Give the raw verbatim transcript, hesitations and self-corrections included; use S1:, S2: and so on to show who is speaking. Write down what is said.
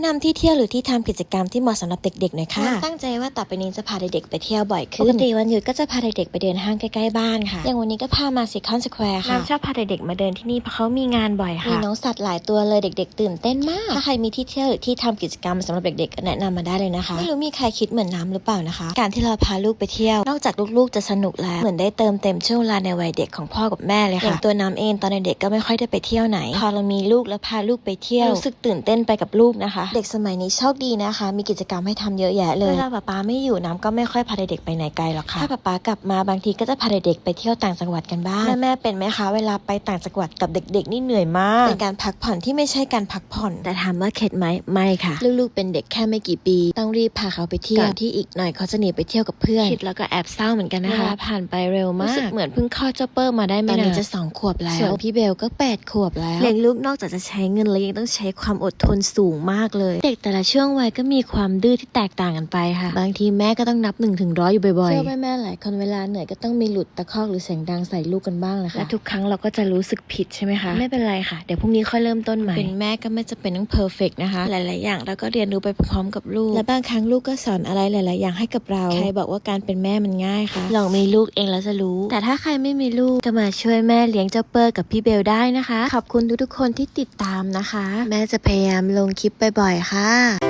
S1: นำที่เที่ยวหรือที่ทำกิจกรรมที่เหมาะสำหรับเด็กๆหน่อยค่ะตั้งใจว่าต่อไปนี้จะพาเด็กๆไปเที่ยวบ่อยขึ้นปกติวันหยุดก็จะพาเด็กๆไปเดินห้างใกล้ๆบ้านค่ะอย่างวันนี้ก็พามาซิคอนสแควร์ค่ะน้ำชอบพาเด็กๆมาเดินที่นี่เพราะเขามีงานบ่อยค่ะมีน้องสัตว์หลายตัวเลยเด็กๆตื่นเต้นมากถ้าใครมีที่เที่ยวหรือที่ทำกิจกรรมสำหรับเด็กๆก็แนะนำมาได้เลยนะคะไม่รู้มีใครคิดเหมือนน้ำหรือเปล่านะคะการที่เราพาลูกไปเที่ยวนอกจากลูกๆจะสนุกแล้วเหมือนได้เติมเต็มช่วงเวลาในวัยเด็กของพ่อกับแม่เลยค่ะอย่างตัวน้ำเองตอนเด็กๆก็ไม่ค่อยได้ไปเที่ยวไหนพอเรามีลูกแล้วพาลูกไปเที่ยวรู้สึกตื่นเต้นไปกับลูกนะคะเด็กสมัยนี้โชคดีนะคะมีกิจกรรมให้ทำเยอะแยะเลยเวลาป๊าป๊าไม่อยู่น้ำก็ไม่ค่อยพาเด็กๆไปไหนไกลหรอกค่ะถ้าป๊าป๊ากลับมาบางทีก็จะพาเด็กๆไปเที่ยวต่างจังหวัดกันบ้างแม่ๆเป็นไหมคะเวลาไปต่างจังหวัดกับเด็กๆนี่เหนื่อยมากเป็นการพักผ่อนที่ไม่ใช่การพักผ่อนแต่ถามว่าเข็ดไหมไม่ค่ะลูกๆเป็นเด็กแค่ไม่กี่ปีต้องรีบพาเขาไปเที่ยวก่อนที่อีกหน่อยเขาจะหนีไปเที่ยวกับเพื่อนคิดแล้วก็แอบเศร้าเหมือนกันนะคะเวลาผ่านไปเร็วมากรู้สึกเหมือนเพิ่งคลอดเจ้าเปิ้ลมาได้ไม่นานตอนนี้จะสองขวบแล้วส่วนพี่เบลก็แปดขวบแล้วเลี้ยงลูกนอกจากจะใช้เงินแล้วยังต้องใช้ความอดทนสูงมากเลยเด็กแต่ละช่วงวัยก็มีความดื้อที่แตกต่างกันไปค่ะบางทีแม่ก็ต้องนับหนึ่งถึงร้อยอยู่บ่อยๆเชื่อแม่ๆหลายคนเวลาเหนื่อยก็ต้องมีหลุดตะคอกหรือเสียงดังใส่ลูกกันบ้างแหละค่ะและทุกครั้งเราก็จะรู้สึกผิดใช่ไหมคะไม่เป็นไรค่ะเดี๋ยวพรุ่งนี้ค่อยเริ่มต้นใหม่เป็นแม่ก็ไม่จะเป็นต้องเพอร์เฟกต์นะคะหลายๆอย่างเราก็เรียนรู้ไปพร้อมกับลูกและบางครั้งลูกก็สอนอะไรหลายๆอย่างให้กับเราใครบอกว่าการเป็นแม่มันง่ายคะลองมีลูกเองแล้วจะรู้แต่ถ้าใครไม่มีลูกก็มาช่วยแม่เลี้ยงเจ้าเปิ้ลกับพี่เบลได้นะคะขอบคุณทุกๆคนที่ติดตามนะคะแม่จะพยายามลงคลิปบ่อยๆค่ะ